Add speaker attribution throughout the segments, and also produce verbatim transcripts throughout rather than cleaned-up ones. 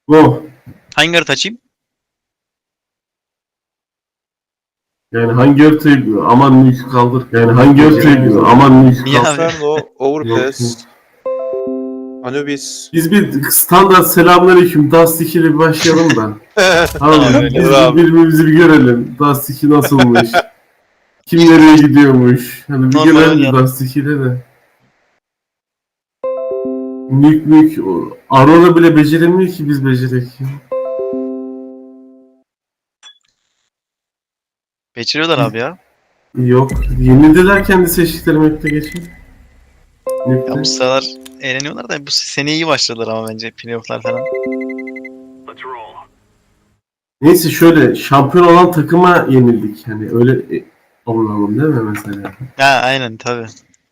Speaker 1: Go.
Speaker 2: Hangi harita açayım?
Speaker 1: Yani hangi haritayı aman Nük kaldır. Yani hangi haritayı aman Nük
Speaker 2: Niye
Speaker 1: kaldır.
Speaker 2: abi?
Speaker 3: Inferno, Overpass, Anubis.
Speaker 1: Biz bir standart selamünaleyküm Dust iki ile bir başlayalım da. Abi
Speaker 2: öyle
Speaker 1: biz
Speaker 3: abi.
Speaker 1: birbirimizi bir görelim. Dust iki nasılmış? Kim nereye gidiyormuş? Hani bir
Speaker 2: Normal
Speaker 1: görelim
Speaker 2: oynayalım.
Speaker 1: Dust iki'de de. Nük mük. o- Aurora bile beceremiyor ki biz becerek.
Speaker 2: Beceriyorlar abi ya.
Speaker 1: Yok. Yenildiler kendi seçtikleri map'te geçin.
Speaker 2: Ya
Speaker 1: Nük'te.
Speaker 2: bu sıralar eğleniyorlar da bu sene iyi başladılar ama bence playoff'lar falan.
Speaker 1: Neyse şöyle şampiyon olan takıma yenildik. Hani öyle e, olalım değil mi mesela?
Speaker 2: Ha aynen tabi.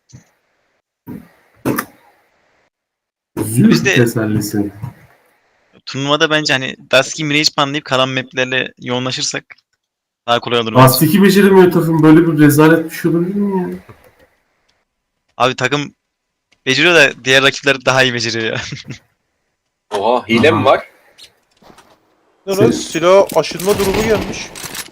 Speaker 1: Zül
Speaker 2: Biz de-
Speaker 1: tesellisi.
Speaker 2: Turnuvada bence hani Dusky Mirage banlayıp kalan maplerle yoğunlaşırsak daha kolay olur bence.
Speaker 1: Dust iki beceremiyor takım. Böyle bir rezalet bir şey olabilir mi ya?
Speaker 2: Abi takım beceriyor da diğer rakipler daha iyi beceriyor ya.
Speaker 4: Oha hile mi
Speaker 1: Aha.
Speaker 4: var?
Speaker 3: Ne
Speaker 1: Sen-
Speaker 3: lan? Silah aşınma durumu gelmiş.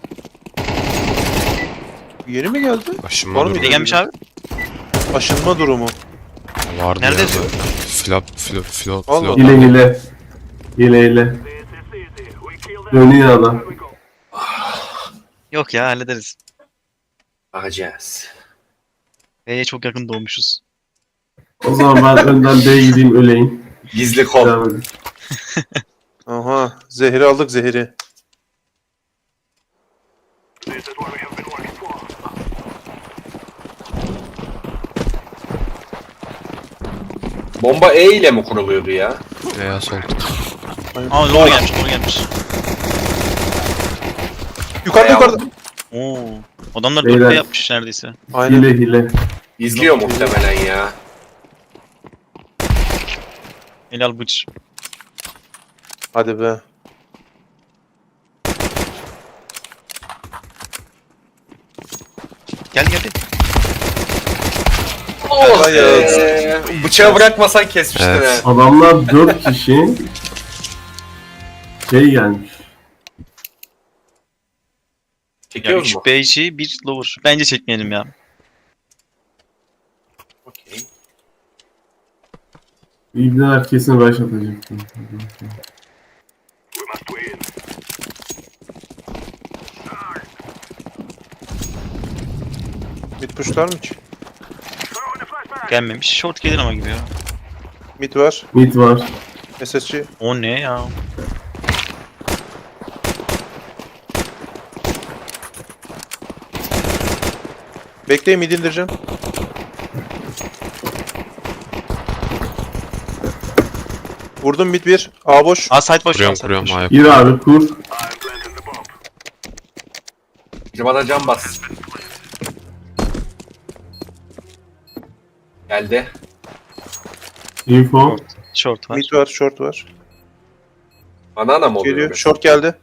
Speaker 3: Yeni mi geldi?
Speaker 5: Aşınma
Speaker 3: Var mı?
Speaker 5: durumu
Speaker 2: Ne gelmiş abi?
Speaker 3: Aşınma durumu.
Speaker 5: vardı
Speaker 2: Nerede
Speaker 5: ya.
Speaker 2: yazıyor?
Speaker 5: Flop, flop, flop,
Speaker 3: Allah
Speaker 5: flop.
Speaker 1: Hile hile. Hile hile. Dönüyor adam.
Speaker 2: Yok ya hallederiz.
Speaker 4: Bakacağız.
Speaker 2: B'ye çok yakın doğmuşuz.
Speaker 1: O zaman ben önden B'ye gideyim öleyim.
Speaker 4: Gizli kol.
Speaker 1: Devam edin.
Speaker 3: Aha. Zehri aldık zehri.
Speaker 4: Bomba E ile mi kuruluyordu ya?
Speaker 5: Veya sol.
Speaker 2: Aa doğru gelmiş doğru gelmiş.
Speaker 3: Yukarıda
Speaker 4: Bayağı
Speaker 3: yukarıda.
Speaker 2: Oo. Adamlar
Speaker 1: Beyler.
Speaker 2: dört B yapmış neredeyse.
Speaker 3: Aynen.
Speaker 1: Hile hile.
Speaker 4: İzliyor muhtemelen ya.
Speaker 2: Helal bıç.
Speaker 3: Hadi be.
Speaker 2: Gel gel.
Speaker 4: Oh
Speaker 3: Hayır.
Speaker 4: be. Bıçağı bırakmasan kesmiştin
Speaker 5: Evet.
Speaker 4: ha.
Speaker 1: Adamlar dört kişi şey gelmiş.
Speaker 2: Ya
Speaker 4: Çekiyoruz
Speaker 2: üç
Speaker 4: mu?
Speaker 2: B içi bir lower. Bence çekmeyelim ya.
Speaker 4: Okey.
Speaker 1: İbneler kesin rush atacaktı.
Speaker 3: Mid pushlar mı ki?
Speaker 2: Gelmemiş. Short gelir ama gibi ya.
Speaker 3: Mid var.
Speaker 1: Mid var.
Speaker 3: S S G.
Speaker 2: O ne ya?
Speaker 3: Bekleyin mid indireceğim. Vurdum mid bir. A boş.
Speaker 2: Aa site boş.
Speaker 5: Kuruyorum
Speaker 2: site
Speaker 5: kuruyorum
Speaker 2: boş.
Speaker 5: ayak.
Speaker 1: Gir abi kur.
Speaker 4: Bir bana can bas. Geldi.
Speaker 1: Info.
Speaker 2: Short var.
Speaker 3: Mid var, short var.
Speaker 4: Banana mı oluyor?
Speaker 3: Geliyor. Short geldi.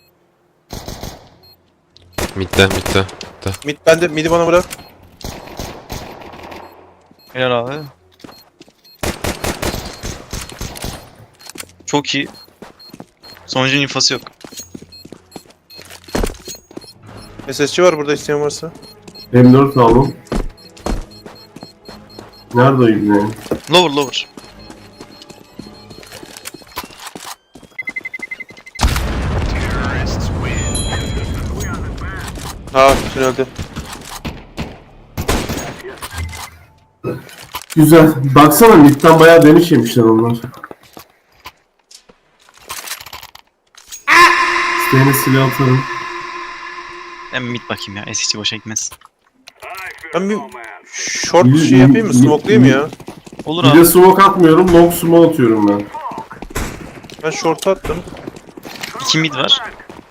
Speaker 5: Midde, midde.
Speaker 3: Mid bende. Mid'i bana bırak.
Speaker 2: Helal abi. Çok iyi. Sonucun infosu yok.
Speaker 3: S S G var burada isteyen varsa.
Speaker 1: M dört aldım. Nerede o ibne?
Speaker 2: Lower lower.
Speaker 3: Ha tünelde.
Speaker 1: Güzel. Baksana midden bayağı demiş yemişler onlar. İsteyene silah atarım.
Speaker 2: Ben mid bakayım ya. S S G boşa gitmez.
Speaker 3: Ben bir short şey yapayım mı? Smoke'layayım ya.
Speaker 2: Olur
Speaker 1: Bir de
Speaker 2: abi.
Speaker 1: smoke atmıyorum. Long smoke atıyorum ben.
Speaker 3: Ben short attım.
Speaker 2: İki mid var.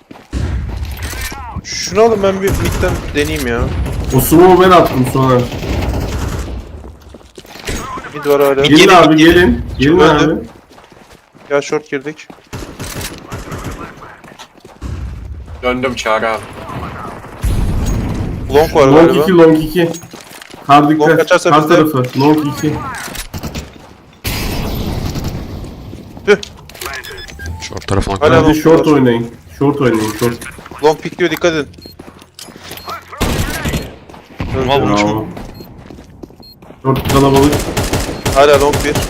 Speaker 3: Şunu alın ben bir midden deneyeyim ya.
Speaker 1: O smoke'u ben attım sonra.
Speaker 3: Mid var hala.
Speaker 1: Gelin
Speaker 2: Gelin,
Speaker 1: abi
Speaker 2: gelin.
Speaker 1: gelin. Gelin
Speaker 3: Öldü.
Speaker 1: abi.
Speaker 3: Ya short girdik.
Speaker 4: Döndüm Çağrı abi.
Speaker 3: Long var
Speaker 1: Long
Speaker 3: galiba.
Speaker 1: iki long iki. Kar
Speaker 3: Long
Speaker 1: dikkat.
Speaker 3: kaçarsa
Speaker 1: Kar
Speaker 3: bizde.
Speaker 1: tarafı. Long iki.
Speaker 5: Short tarafına
Speaker 3: Hala
Speaker 5: kadar.
Speaker 3: long
Speaker 1: Hadi short
Speaker 3: var.
Speaker 1: oynayın. Short oynayın. Short.
Speaker 3: Long pickliyor, dikkat edin.
Speaker 2: Ama vurmuş
Speaker 1: Bravo.
Speaker 2: mu?
Speaker 1: Short kalabalık.
Speaker 3: Hala long bir.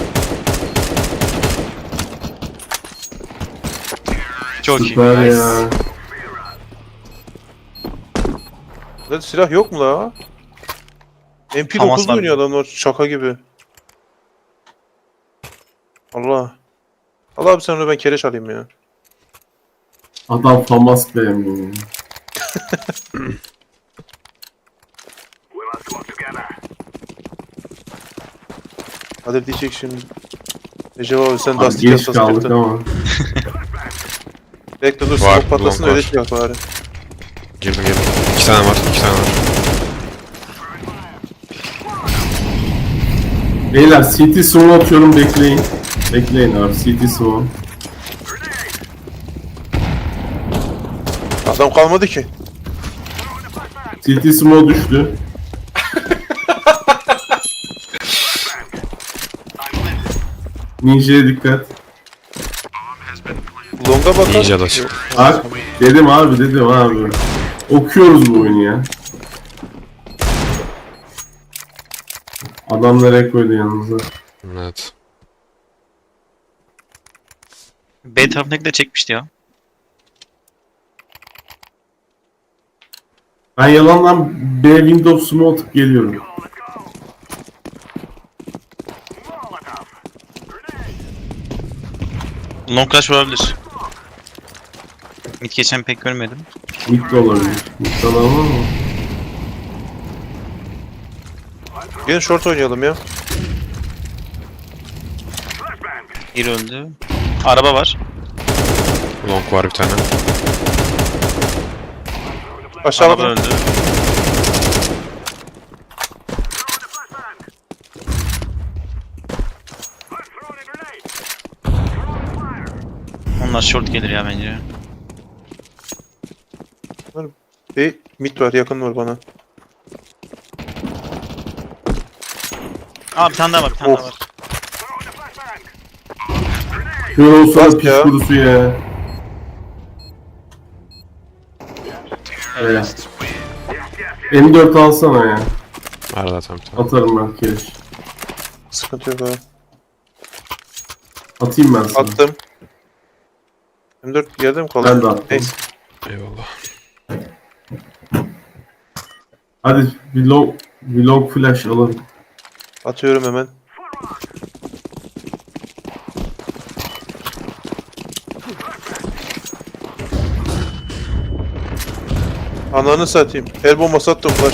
Speaker 2: Çok iyi.
Speaker 1: Süper ya.
Speaker 3: Lan silah yok mu la? M P
Speaker 2: Hamas
Speaker 3: dokuz
Speaker 2: var.
Speaker 3: oynuyor adamlar şaka gibi. Allah. Allah abi sen onu ben kereç alayım ya.
Speaker 1: Adam famas beğenmiyor.
Speaker 3: Hadi diyecek şimdi. Recep abi sen
Speaker 1: Abi
Speaker 3: Dusty
Speaker 1: geç
Speaker 3: Kansas
Speaker 1: kaldık
Speaker 3: kırktın.
Speaker 1: ama.
Speaker 3: Bekle dur
Speaker 5: Var,
Speaker 3: smoke patlasın
Speaker 5: long
Speaker 3: öyle
Speaker 5: var.
Speaker 3: çıkar bari.
Speaker 5: Girdim girdim. İki tane var. iki tane var.
Speaker 1: Beyler C T smoke atıyorum, bekleyin. Bekleyin abi, C T smoke.
Speaker 3: Adam kalmadı ki.
Speaker 1: C T smoke düştü. Ninja'ya dikkat.
Speaker 3: Long'a bakar.
Speaker 5: Ninja da.
Speaker 1: Bak dedim abi, dedim abi. Okuyoruz bu oyunu ya. Adam nereye koydu yanınıza?
Speaker 5: Evet.
Speaker 2: B tarafındaki de çekmişti ya.
Speaker 1: Ben yalandan B Windows smoke atıp geliyorum.
Speaker 2: Long crash olabilir. Mid geçen pek görmedim.
Speaker 1: Mid de olabilir. Mid de alamam ama.
Speaker 3: Gelin short oynayalım ya.
Speaker 2: Bir öldü. Araba var.
Speaker 5: Long var bir tane.
Speaker 3: Aşağıda
Speaker 2: Araba öldü. Onlar short gelir ya bence.
Speaker 3: bir mid var, yakın var bana.
Speaker 2: Aa bir tane daha var, bir tane
Speaker 3: Of.
Speaker 2: daha var.
Speaker 1: Kör olsa
Speaker 3: Bak
Speaker 1: da piç
Speaker 3: ya.
Speaker 1: kurusu ya. Evet. M dört alsana ya.
Speaker 5: Var zaten bir tane.
Speaker 1: Atarım ben kereç.
Speaker 3: Sıkıntı yok abi.
Speaker 1: Atayım ben sana.
Speaker 3: Attım. M dört yerde mi kaldı?
Speaker 1: Ben de attım.
Speaker 3: Neyse.
Speaker 5: Eyvallah.
Speaker 1: Hadi bir long, bir long flash alalım.
Speaker 3: Atıyorum hemen. Ananı satayım. El bombası attım flash.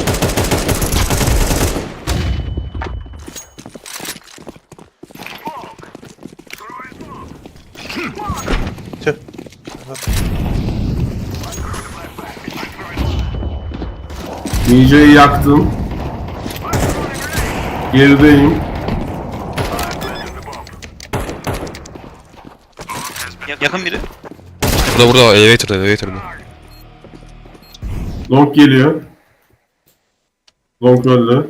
Speaker 3: Tüh.
Speaker 1: Ninja'yı yaktım. Gerideyim.
Speaker 2: Yakın biri.
Speaker 5: Burada burada elevator'da elevator'da.
Speaker 1: Long geliyor. Long öldü.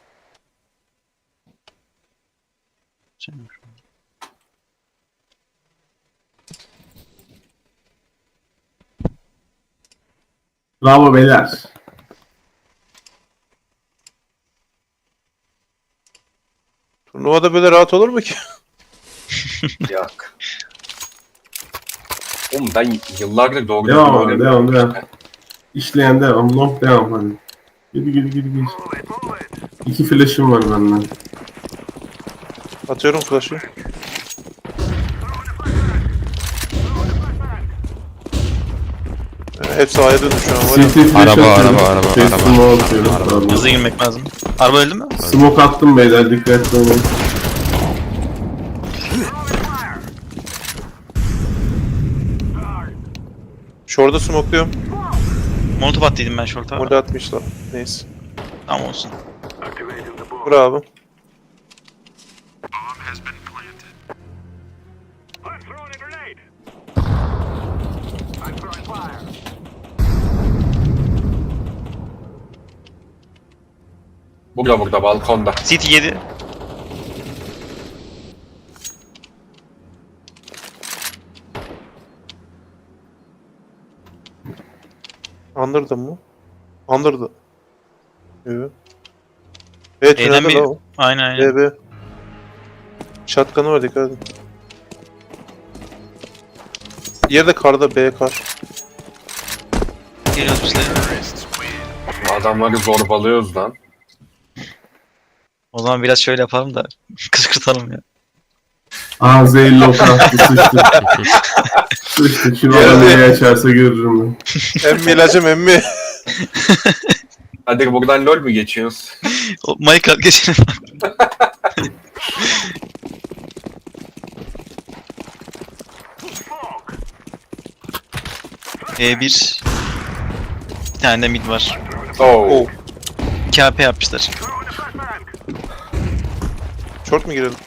Speaker 1: Bravo beyler.
Speaker 3: Turnuvada böyle rahat olur mu ki?
Speaker 4: Yak. Oğlum ben yıllardır doğru
Speaker 1: Devam
Speaker 4: düzgün
Speaker 1: abi,
Speaker 4: oynamıyorum.
Speaker 1: devam, devam. İşleyen devam. Long devam hadi. Gidi gidi gidi gidi. İki flash'ım var benden.
Speaker 3: Atıyorum flash'ı. Yani hepsi A'ya döndü şu an var ya.
Speaker 1: C T flash
Speaker 5: Araba,
Speaker 1: atıyorum.
Speaker 5: araba, araba,
Speaker 1: Şey,
Speaker 5: araba.
Speaker 1: smoke atıyorum.
Speaker 5: Araba.
Speaker 1: Tamam.
Speaker 2: Hızlı girmek lazım. Araba öldü mü?
Speaker 1: Smoke attım beyler, dikkatli olun.
Speaker 3: Short'a smokluyorum.
Speaker 2: Molotov attıydım ben short'a.
Speaker 3: Orada atmışlar. Neyse.
Speaker 2: Tamam olsun.
Speaker 3: Bravo.
Speaker 4: Burada burada balkonda.
Speaker 2: City yedi.
Speaker 3: Under'da mı? Under'da. Evet. Evet,
Speaker 2: E'den
Speaker 3: tünelde
Speaker 2: bir-
Speaker 3: la o.
Speaker 2: Aynen aynen.
Speaker 3: B B. Shotgun'ı var, dikkat edin. Diğeri de karda, B kar.
Speaker 2: Geliyoruz biz de.
Speaker 4: Adamları zorbalıyoruz lan.
Speaker 2: O zaman biraz şöyle yapalım da kışkırtalım ya.
Speaker 1: Aa zehirli ok attı sıçtı. Sıçtı. Şimdi
Speaker 3: Geldi.
Speaker 1: orada neyi açarsa görürüm ben.
Speaker 3: Emmi ilacım emmi.
Speaker 4: Hadi buradan LoL mu geçiyoruz?
Speaker 2: O Minecraft geçelim. E bir. Bir tane de mid var.
Speaker 4: Oo.
Speaker 3: Oh.
Speaker 2: iki A P yapmışlar.
Speaker 3: Short mu girelim?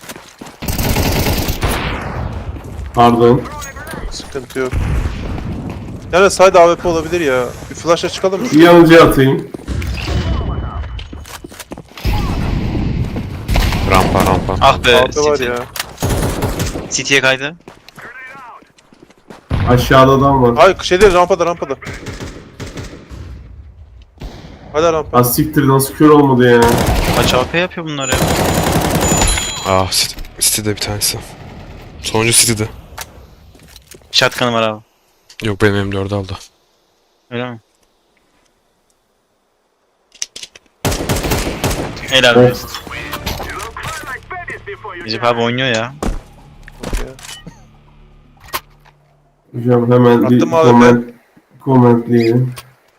Speaker 1: Pardon.
Speaker 3: Sıkıntı yok. Yani side A W P olabilir ya. Bir flash'a çıkalım mı?
Speaker 1: Bir yanıcı atayım.
Speaker 5: Rampa rampa.
Speaker 2: Ah be.
Speaker 3: A W P var
Speaker 2: City.
Speaker 3: ya.
Speaker 2: City'ye kaydı.
Speaker 1: Aşağıda adam var.
Speaker 3: Hayır şey değil, rampada rampada. Hala rampa.
Speaker 1: Ha siktir nasıl kör olmadı ya.
Speaker 2: Kaç A P yapıyor bunlar ya?
Speaker 5: Ah City. City'de bir tanesi. Sonuncu City'de.
Speaker 2: Shotgun'ı var abi.
Speaker 5: Yok benim M dördü aldı.
Speaker 2: Öyle mi? Helal.
Speaker 1: Of.
Speaker 2: Recep abi oynuyor ya.
Speaker 1: Hocam hemen bir
Speaker 3: Attım abi
Speaker 1: comment, commentleyelim.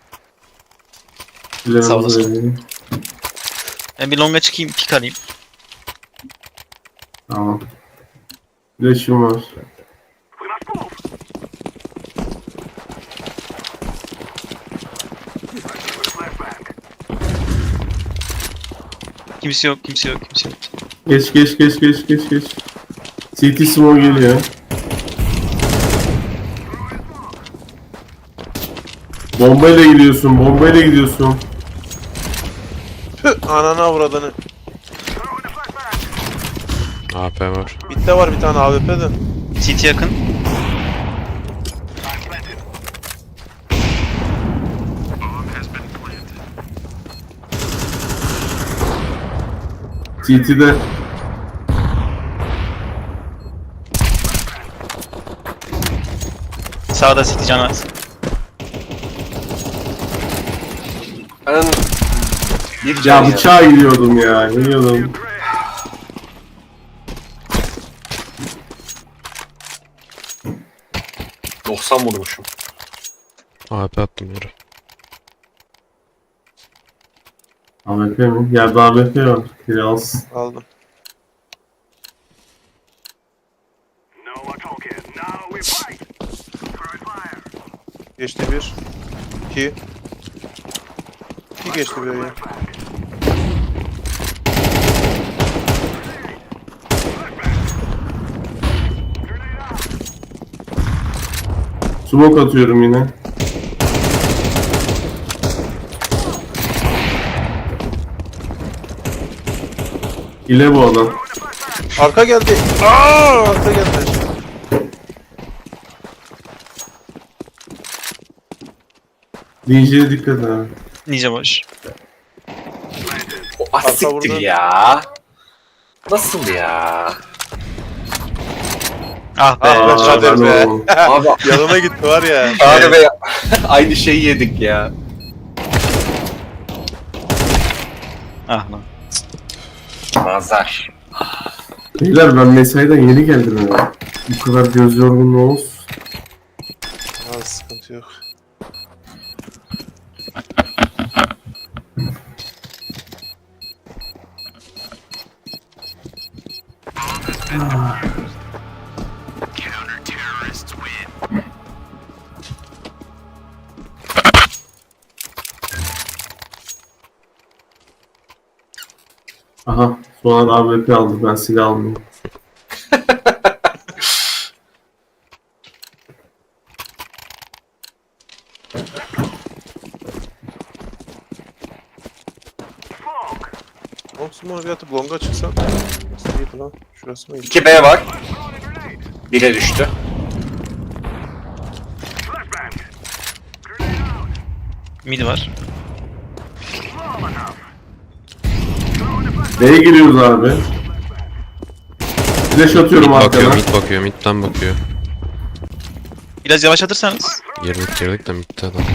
Speaker 2: Sağ olasın.
Speaker 1: Verelim.
Speaker 2: Ben bir longa çıkayım, pick alayım.
Speaker 1: Tamam. Flash'ım var.
Speaker 2: Kimse yok, kimse yok, kimse yok.
Speaker 1: Geç geç geç geç geç geç. C T Smoke geliyor. Bombayla gidiyorsun, bombayla gidiyorsun.
Speaker 3: Püh, ananı avradını.
Speaker 5: A P var.
Speaker 3: Bitte var bir tane A W P de.
Speaker 2: City yakın.
Speaker 1: C T'de
Speaker 2: Sağda City canaz.
Speaker 4: Ben bir can
Speaker 1: ya
Speaker 4: ya.
Speaker 1: bıçağa gidiyordum ya, gidiyordum.
Speaker 4: doksan vurmuşum.
Speaker 5: A P attım yere.
Speaker 1: A W P mi? Yerde A W P var. Biri alsın.
Speaker 3: Aldım. Geçti bir. İki. İki geçti bir ya.
Speaker 1: Smoke atıyorum yine. İle bu adam.
Speaker 3: Arka geldi. Aa, arka geldi.
Speaker 1: D J'ye dikkat abi.
Speaker 2: Ninja boş.
Speaker 4: O
Speaker 3: Arka
Speaker 4: asiktir
Speaker 3: vurdu.
Speaker 4: ya. Nasıl ya?
Speaker 2: Ah be.
Speaker 3: Ah be,
Speaker 1: Aa,
Speaker 3: Kader
Speaker 1: ben
Speaker 3: be.
Speaker 1: oğlum.
Speaker 4: Abi
Speaker 3: Yanına gitti var ya.
Speaker 4: abi be aynı şeyi yedik ya.
Speaker 2: Ah lan.
Speaker 4: Nazar.
Speaker 1: Beyler ben mesaiden yeni geldim ya. Bu kadar göz yorgunluğu olsun.
Speaker 3: Aa, sıkıntı yok.
Speaker 1: Aha sonra A W P aldı, ben silah almıyorum.
Speaker 3: Olsun bana bir atıp longa çıksan. Nasıl iyiydi lan? Şurası mı?
Speaker 4: iki B var. bire düştü.
Speaker 2: Mid var.
Speaker 1: B'ye giriyoruz abi. Flash atıyorum
Speaker 5: Mid bakıyor,
Speaker 1: arkana.
Speaker 5: mid bakıyor, midden bakıyor.
Speaker 2: Biraz yavaşlatırsanız.
Speaker 5: Girdik girdik de midde adam.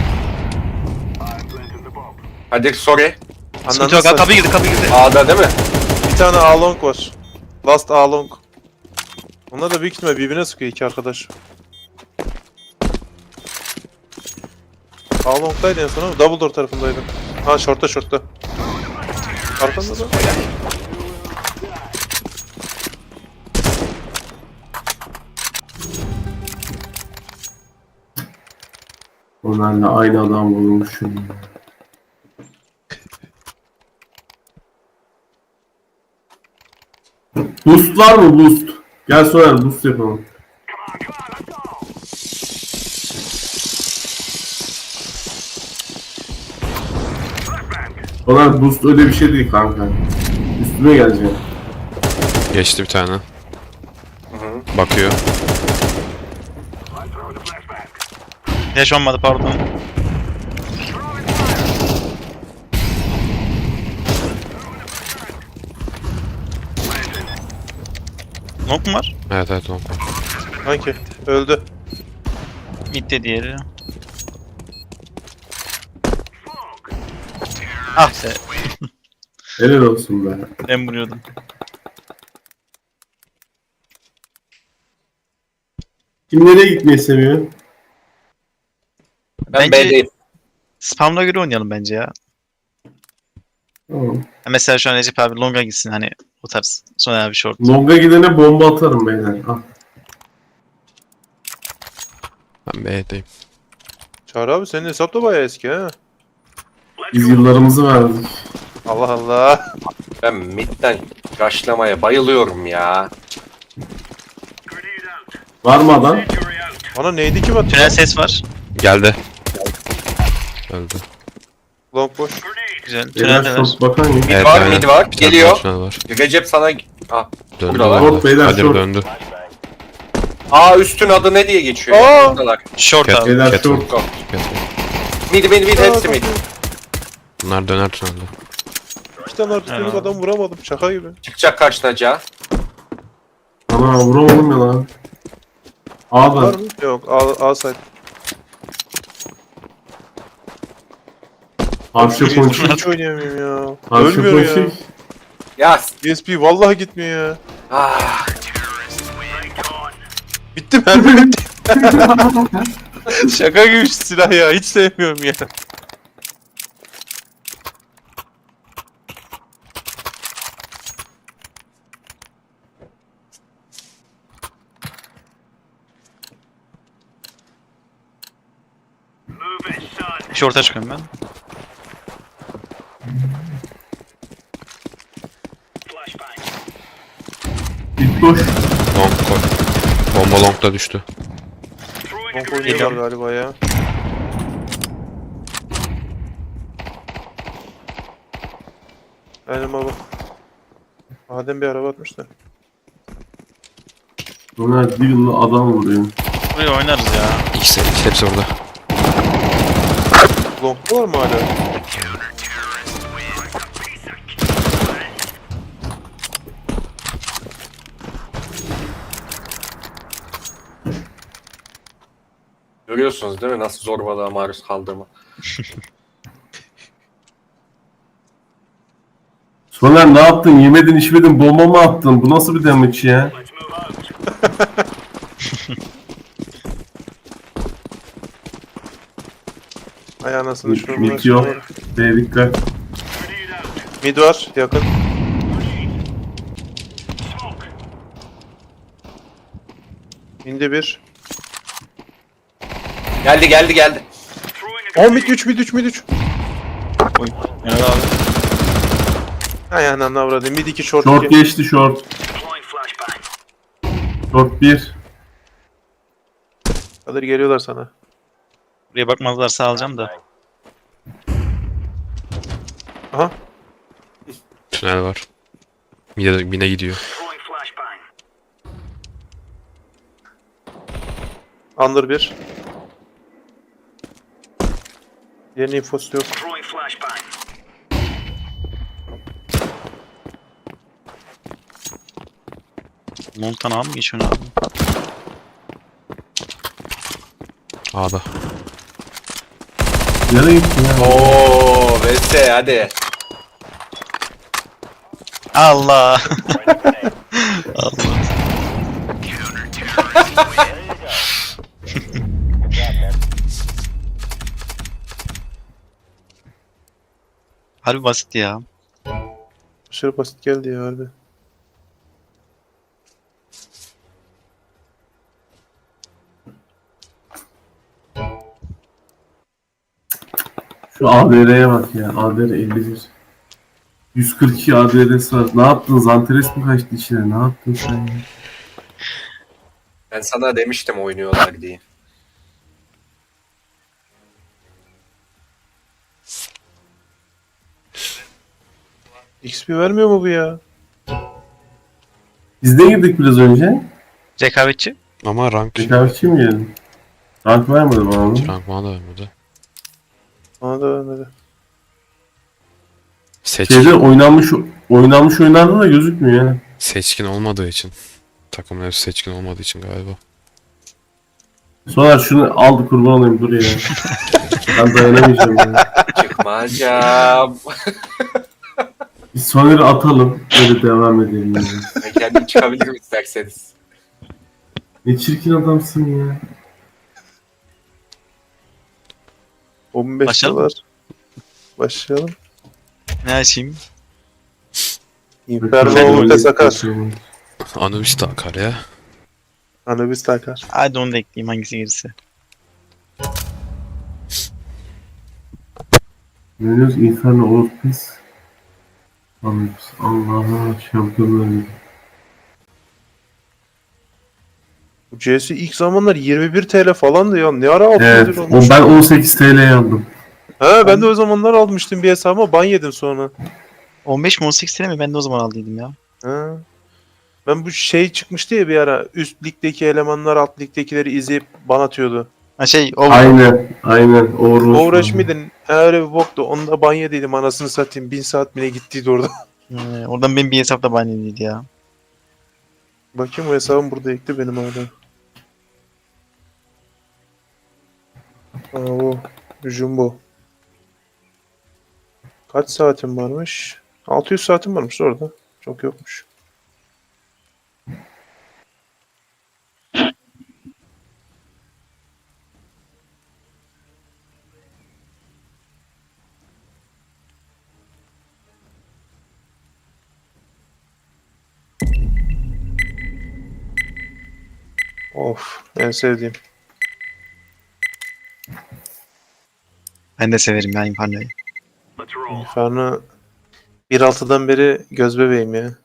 Speaker 4: Hadi sorry.
Speaker 2: Sıkıntı
Speaker 3: Anladın
Speaker 2: yok.
Speaker 3: sen.
Speaker 2: Kapı girdi kapı girdi.
Speaker 4: A'da değil mi?
Speaker 3: Bir tane A-Long var. Last A-Long. Onlar da büyük ihtimal birbirine sıkıyor iki arkadaş. A-Long'daydı en son ama Double Door tarafındaydı. Ha short'ta short'ta. Arkanda da.
Speaker 1: Onlarla aynı adam vurmuşum. Boost var mı boost? Gel Soner boost yapalım. Soner boost öyle bir şey değil kanka. Üstüme gelecek.
Speaker 5: Geçti bir tane.
Speaker 4: Hı.
Speaker 5: Bakıyor.
Speaker 2: Flash olmadı pardon. Nok mu var?
Speaker 5: Evet evet long var.
Speaker 3: Hangi? Öldü.
Speaker 2: Mid de diğeri. Ah be.
Speaker 1: Helal olsun be.
Speaker 2: Ben vuruyordum.
Speaker 1: Kim nereye gitmeyi seviyor?
Speaker 4: Ben
Speaker 2: Bence-
Speaker 4: B'deyim.
Speaker 2: Spamla göre oynayalım bence ya.
Speaker 1: Tamam.
Speaker 2: Ha, mesela şu an Recep abi longa gitsin hani o tarz. Sonra abi short.
Speaker 1: Long'a gidene bomba atarım beyler. Ah.
Speaker 5: Ben B'deyim.
Speaker 3: Çağrı abi senin hesap da bayağı eski ha.
Speaker 1: Biz yıllarımızı verdik.
Speaker 3: Allah Allah.
Speaker 4: Ben midden rushlamaya bayılıyorum ya.
Speaker 1: Var mı adam?
Speaker 3: Bana neydi ki bak?
Speaker 2: Tünel ses var.
Speaker 5: Geldi. Öldü.
Speaker 3: Long boş.
Speaker 2: Güzel.
Speaker 1: Beyler
Speaker 2: Tüneldeler.
Speaker 1: short bakan ya.
Speaker 4: Mid
Speaker 5: Evet,
Speaker 4: var,
Speaker 5: aynen.
Speaker 4: mid var.
Speaker 5: Bir tane
Speaker 4: Geliyor.
Speaker 5: daha tünel var.
Speaker 4: Recep sana... Ah,
Speaker 5: Döndü.
Speaker 4: Buradalar.
Speaker 1: Short beyler,
Speaker 5: Kadir
Speaker 1: short.
Speaker 5: döndü.
Speaker 4: Aa üstün adı ne diye geçiyor?
Speaker 3: Aa!
Speaker 4: ya? Buradalar.
Speaker 2: Short
Speaker 5: Cat-
Speaker 2: abi.
Speaker 1: Beyler
Speaker 5: Cat
Speaker 1: short.
Speaker 5: Cat var.
Speaker 4: Mid mid mid hepsi mid.
Speaker 5: Bunlar döner tünelde.
Speaker 3: İki tane artık
Speaker 2: Evet.
Speaker 3: adam vuramadım. Şaka gibi.
Speaker 4: Çıkacak karşınaca.
Speaker 1: Ana vuramadım ya lan. A'da.
Speaker 3: Var mı? Yok. A, A side.
Speaker 1: Arşa ponçik.
Speaker 3: Hiç oynayamıyorum ya.
Speaker 1: Arşa
Speaker 3: Ölmüyor ya.
Speaker 1: ponçik.
Speaker 4: Ya
Speaker 3: D S P vallahi gitmiyor ya.
Speaker 4: ah.
Speaker 3: Bitti mermi bitti. Şaka gibi şu silah ya. Hiç sevmiyorum ya.
Speaker 2: Short'a çıkıyorum ben.
Speaker 1: Bit boş.
Speaker 5: Long koy. Bomba longda düştü.
Speaker 3: Long oynuyorlar galiba ya. Aynen baba. Adem bir araba atmış da.
Speaker 1: Bunlar Deagle'la adam vuruyor.
Speaker 2: Buraya oynarız ya.
Speaker 5: İkisi, ikisi hepsi orada.
Speaker 3: Long'da var mı hala?
Speaker 4: Görüyorsunuz değil mi nasıl zorbalığa maruz kaldığımı.
Speaker 1: Soner ne yaptın? Yemedin içmedin bomba mı attın? Bu nasıl bir damage ya?
Speaker 3: Ay anasını
Speaker 1: Mid,
Speaker 3: şunu.
Speaker 1: mid yok. B dikkat.
Speaker 3: Mid var yakın. İndi bir.
Speaker 4: Geldi geldi geldi.
Speaker 3: O mid üç mid üç mid üç.
Speaker 2: Oy. Yani abi.
Speaker 3: Ay ananı avradım. Mid iki short
Speaker 1: Short
Speaker 3: iki.
Speaker 1: geçti short. Short bir.
Speaker 3: Kadir geliyorlar sana.
Speaker 2: Buraya bakmazlarsa alacağım da.
Speaker 3: Aha.
Speaker 5: Tünel var. Mine, mine gidiyor.
Speaker 3: Under bir. Diğerinin infosu yok.
Speaker 2: Montana mı geçiyorsun abi?
Speaker 5: A'da.
Speaker 1: Nereye gittin ya?
Speaker 4: Oo, Veste hadi.
Speaker 2: Allah. Allah. Harbi basit ya.
Speaker 3: Aşırı basit geldi ya harbi.
Speaker 1: Şu A D R'ye bak ya. A D R elli bir. yüz kırk iki A D R'si var. Ne yaptın? Zanteres mi kaçtı içine? Ne yaptın sen ya?
Speaker 4: Ben sana demiştim oynuyorlar diye.
Speaker 3: X P vermiyor mu bu ya?
Speaker 1: Biz de girdik biraz önce.
Speaker 2: Rekabetçi.
Speaker 5: Ama rank.
Speaker 1: Rekabetçi mi geldin? Rank vermedi bana onu.
Speaker 5: Rank bana da vermedi.
Speaker 3: Bana da vermedi.
Speaker 5: Seçkin,
Speaker 1: Şeyde oynanmış oynanmış oyunlarda da gözükmüyor yani.
Speaker 5: seçkin olmadığı için. Takımın hepsi seçkin olmadığı için galiba.
Speaker 1: Sonra şunu aldı kurban olayım dur ya. Ben dayanamayacağım ya.
Speaker 4: Çıkmayacağım.
Speaker 1: Biz Soner'i atalım. Böyle devam edelim. Yani.
Speaker 4: Ben kendim çıkabilirim isterseniz.
Speaker 1: Ne çirkin adamsın ya.
Speaker 3: on beş
Speaker 2: Başlayalım
Speaker 3: dolar. Başlayalım.
Speaker 2: Ne açayım?
Speaker 3: Inferno ulti sakar.
Speaker 5: Anubis de akar ya.
Speaker 3: Anubis takar.
Speaker 2: Hadi onu da ekleyeyim hangisi gelirse.
Speaker 1: Venus Inferno Orpis. Allah'a şampiyonlar Ligi.
Speaker 3: Bu C S ilk zamanlar yirmi bir TL falandı ya. Ne ara altı
Speaker 1: Evet,
Speaker 3: yüz
Speaker 1: o
Speaker 3: olmuş?
Speaker 1: ben on sekiz T L'ye aldım.
Speaker 3: He ben de o zamanlar almıştım bir hesabıma ban yedim sonra.
Speaker 2: on beş mi on sekiz sene mi? Ben de o zaman aldıydım ya.
Speaker 3: He. Ben bu şey çıkmıştı ya bir ara üst ligdeki elemanlar alt ligdekileri izleyip ban atıyordu.
Speaker 2: Ha şey o
Speaker 1: Aynen, aynen. Overwatch.
Speaker 3: Overwatch miydin? Öyle bir boktu. Onu da ban yediydim anasını satayım. Bin saat bile gittiydi orada.
Speaker 2: Ee, oradan benim bir hesapta baneliydi ya.
Speaker 3: Bakayım o hesabım burada ekli benim hala. Aa bu. Jumbo. Kaç saatim varmış? altı yüz saatim varmış orada. Çok yokmuş. Of, en sevdiğim.
Speaker 2: Ben de severim ya Inferno'yu.
Speaker 3: Inferno bir nokta altıdan beri göz bebeğim ya.